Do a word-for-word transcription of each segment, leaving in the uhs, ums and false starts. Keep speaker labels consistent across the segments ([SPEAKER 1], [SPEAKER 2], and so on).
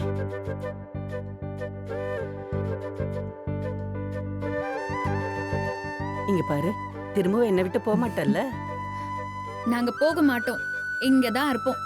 [SPEAKER 1] இங்க பாரு, திரும்பவும் என்னை விட்டு போக மாட்டல்ல?
[SPEAKER 2] நாங்க போக மாட்டோம், இங்கதான் இருப்போம்.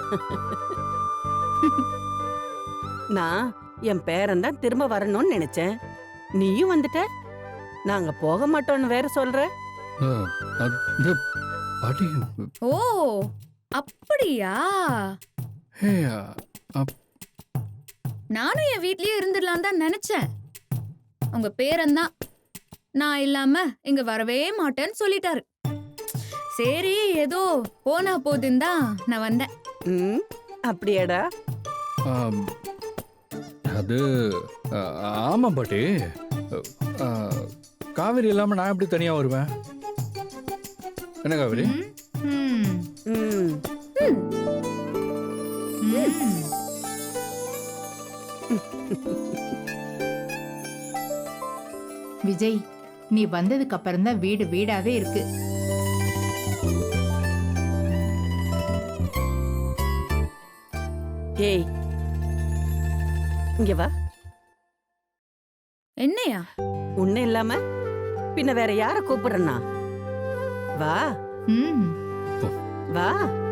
[SPEAKER 1] நான் என் பேரன் தான் திரும்ப வரணும்னு நினைச்சேன். நீயும் வந்துட்ட. நாங்க போக மாட்டோம்னு வேற சொல்ற.
[SPEAKER 3] அஹ், அது பாட்டி.
[SPEAKER 2] ஓ அப்படியா?
[SPEAKER 3] ஹே, அப்-
[SPEAKER 2] நானும் என் வீட்லயே இருந்துடலாம் தான் நினைச்சேன். உங்க பேரன் தான் நான் இல்லாம இங்க வரவே மாட்டேன்னு சொல்லிட்டாரு. சரி, ஏதோ போனா போதுன்னு தான் நான் வந்தேன்.
[SPEAKER 1] ம், அப்படியாடா?
[SPEAKER 3] ஆம், அது அஹ், ஆமா பாட்டி. அஹ், காவேரி இல்லாம நான் எப்படி தனியா வருவேன்? என்ன காவேரி?
[SPEAKER 2] ம்,
[SPEAKER 1] ம்,
[SPEAKER 2] ம், ம்.
[SPEAKER 4] விஜய், நீ வந்ததுக்கு அப்புறம் தான் வீடு வீடாவே இருக்கு.
[SPEAKER 1] ஏய், இங்க வா.
[SPEAKER 2] என்னையா?
[SPEAKER 1] உன்ன இல்லாம பின்ன வேற யார கூப்பிடுறனா? வா
[SPEAKER 4] ம்,
[SPEAKER 1] வா.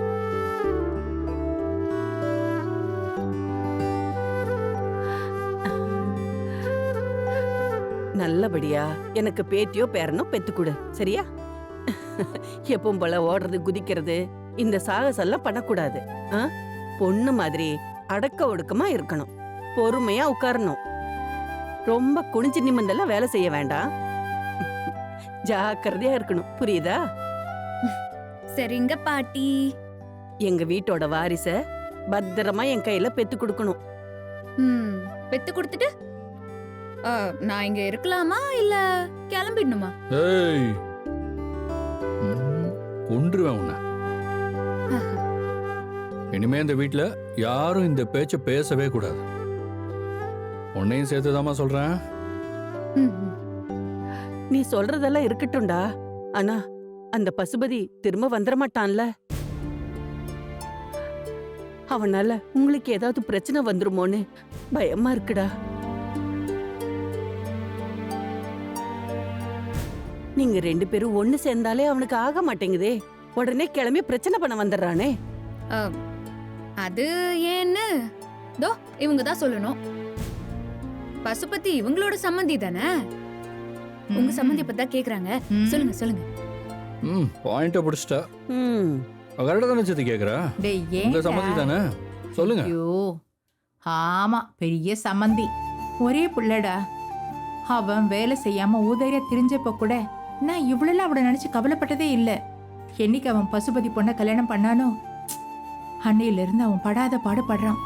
[SPEAKER 1] நல்லபடியா எனக்கு பேத்தியோ பேரனோ பெத்து கொடு, சரியா? எப்பவும் போல ஓடுறது குதிக்கிறது இந்த சாகசெல்லாம் பண்ணக்கூடாது. ஆ? பொண்ணு மாதிரி அடக்க ஒடுக்கமா இருக்கணும், பொறுமையா உட்காரணும், ரொம்ப குனிஞ்சு நிமிந்தெல்லாம் வேலை செய்ய வேண்டாம். ஜாக்கிரதையா இருக்கணும், புரியுதா?
[SPEAKER 2] சரிங்க பாட்டி.
[SPEAKER 1] எங்க வீட்டோட வாரிச பத்திரமா என் கையில பெத்து கொடுக்கணும்.
[SPEAKER 2] ம், பெத்து கொடுத்துட்டு ஆ, நான் இங்க இருக்கலாமா இல்ல கிளம்பிடணுமா?
[SPEAKER 3] ஏய், ம், கொன்றுவேன் உன்னை. இனிமே இந்த வீட்ல யாரும் இந்த பேச்ச பேசவே கூடாது. உன்னையும் சேர்த்துதாம்மா சொல்றேன்.
[SPEAKER 2] ம், ம்.
[SPEAKER 1] நீ சொல்றதெல்லாம் இருக்கட்டும்டா, ஆனா அந்த பசுபதி திரும்ப வந்துட மாட்டான்ல? அவனால உங்களுக்கு ஏதாவது பிரச்சனை வந்துருமோன்னு பயமா இருக்குடா. நீங்க ரெண்டு பேரும் ஒண்ணு சேர்ந்தாலே அவனுக்கு ஆக மாட்டேங்குதே, உடனே கிளம்பி பிரச்சனை பண்ண வந்துடுறானே.
[SPEAKER 2] ஆ, அது ஏன்னு தோ இவங்க தான் சொல்லணும். பசுபதி இவங்களோட சம்மந்தி தானே? உங்க சம்மந்தி பத்தி தான் கேக்குறாங்க.
[SPEAKER 4] ம்.
[SPEAKER 2] சொல்லுங்க சொல்லுங்க.
[SPEAKER 3] ம், பாயிண்ட பிடிச்சிட்டா.
[SPEAKER 1] ம்,
[SPEAKER 3] கரெக்டா தானே சேர்த்து கேக்குறா?
[SPEAKER 4] டேய்,
[SPEAKER 3] உங்க
[SPEAKER 4] ஏன்டா?
[SPEAKER 3] சம்மந்தி தானே? சொல்லுங்க.
[SPEAKER 4] ஐயோ, ஆமா, பெரிய சம்மந்தி. ஒரே புள்ளடா. அவன் வேலை செய்யாம ஊதாரியா திரிஞ்சப்ப கூட நான் இவ்வளவு அவட நினைச்சு கவலைப்பட்டதே இல்ல. என்னைக்கு அவன் பசுபதி பொண்ண கல்யாணம் பண்ணானோ அன்னையில இருந்து அவன் படாத பாடுபடுறான்.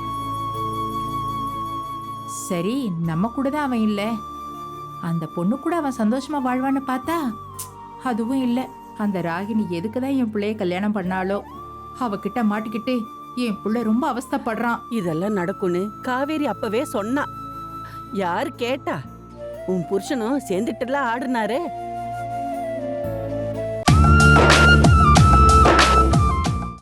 [SPEAKER 4] சரி, நம்ம கூட தான் அவன் இல்ல, அந்த பொண்ணு கூட அவன் சந்தோஷமா வாழ்வான்னு பார்த்தா அதுவும் இல்ல. அந்த ராகினி எதுக்குதான் என் பிள்ளைய கல்யாணம் பண்ணாலோ, அவகிட்ட மாட்டிக்கிட்டு என் புள்ள ரொம்ப அவஸ்தைப்படுறான்.
[SPEAKER 1] இதெல்லாம் நடக்கும்னு காவேரி அப்பவே சொன்னா. யாரு கேட்டா? உன் புருஷனும் சேர்ந்துட்டுலாம் ஆடுனாரு.